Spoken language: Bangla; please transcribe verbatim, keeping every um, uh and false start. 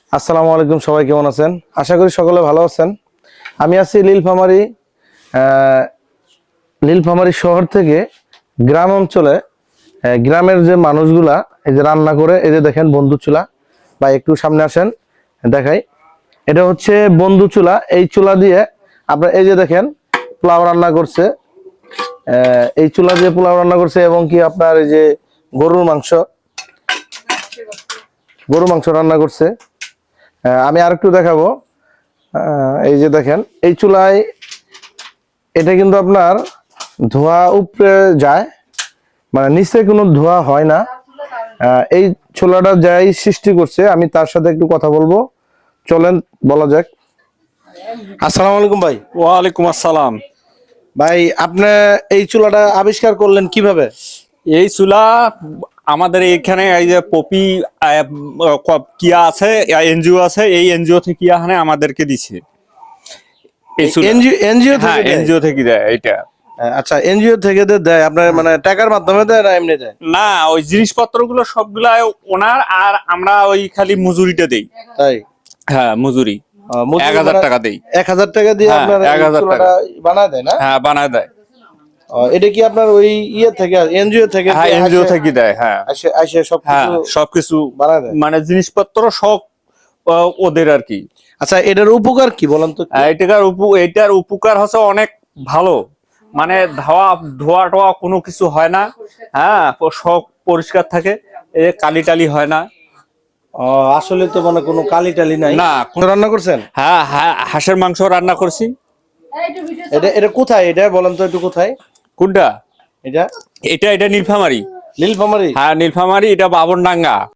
আসসালামু আলাইকুম, সবাই কেমন আছেন? আশা করি সকলে ভালো আছেন। আমি আছি নীলফামারী আহ, নীলফামারী শহর থেকে গ্রাম অঞ্চলে। আহ, গ্রামের যে মানুষগুলা এই যে রান্না করে, এই যে দেখেন বন্ধু চুলা, বা একটু সামনে আসেন দেখাই। এটা হচ্ছে বন্ধু চুলা। এই চুলা দিয়ে আপনার এই যে দেখেন পোলাও রান্না করছে। আহ, এই চুলা দিয়ে পোলাও রান্না করছে এবং কি আপনার এই যে গরুর মাংস গরু মাংস রান্না করছে। আহ, আমি আরেকটু দেখাবো। আহ, এই যে দেখেন এই চুলায় এটা কিন্তু আপনার ধোঁয়া উপরে যায়, মানে নিচে কোনো ধোঁয়া হয় না। আহ, এই চুলাটা যাই সৃষ্টি করছে, আমি তার সাথে একটু কথা বলবো। চলেন বলা যাক। আসসালামু আলাইকুম ভাই। ওয়ালাইকুম আসসালাম। ভাই আপনি এই চুলাটা আবিষ্কার করলেন কিভাবে? এই চুলা আমাদের এখানে এই যে পপি আহ, ক- কিয়া আছে, এনজিও আছে, এই এনজিও থেকে এখানে আমাদেরকে দিছে এই চুলা। এনজিও এনজিও হ্যাঁ, থেকে দেয়? এনজিও থেকে দেয় এটা। আহ, আচ্ছা, এনজিও থেকে যে দেয় আপনার মানে টাকার মাধ্যমে দেয় না এমনি দেয়? না, ওই জিনিসপত্র গুলো সবগুলা ওনার, আর আমরা ওই খালি মজুরিটা দেই। তাই? হ্যাঁ, মজুরি আহ, মজুরি এক হাজার মানে টাকা দেই। এক হাজার টাকা দিয়ে হ্যাঁ, আপনার এক এই হাজার টাকা। চুলাটা বানায় দেয় না? হ্যাঁ, বানায় দেয়। আহ, এটা কি আপনার ওই ইয়ে থেকে এনজিও থেকে হ্যাঁ, যে এনজিও আসে- থেকে দেয়। হ্যাঁ আসে আসে হ্যাঁ, সবকিছু সবকিছু বানায় দেয়? মানে জিনিসপত্র সব আহ, ওদের আর কি। আচ্ছা, এটার উপকার কি বলেন তো একটু? এটার উপ এটার উপকার হচ্ছে অনেক ভালো। মানে ধোয়া ধোয়া টোয়া কোনো কিছু হয় না। হ্যাঁ, প- সব পরিষ্কার থাকে। এ কালি টালি হয় না। আহ, আসলে তো মানে কোনো কালি টালি নাই। না, তো রান্না করছেন? হ্যাঁ হ্যাঁ, হাঁসের মাংস রান্না করছি। এটা এটা কোথায়, এটা বলেন তো একটু কোথায় কোনটা? এটা? এটা এটা নীলফামারী। নীলফামারী? হ্যাঁ, নীলফামারী, এটা বাবনডাঙ্গা।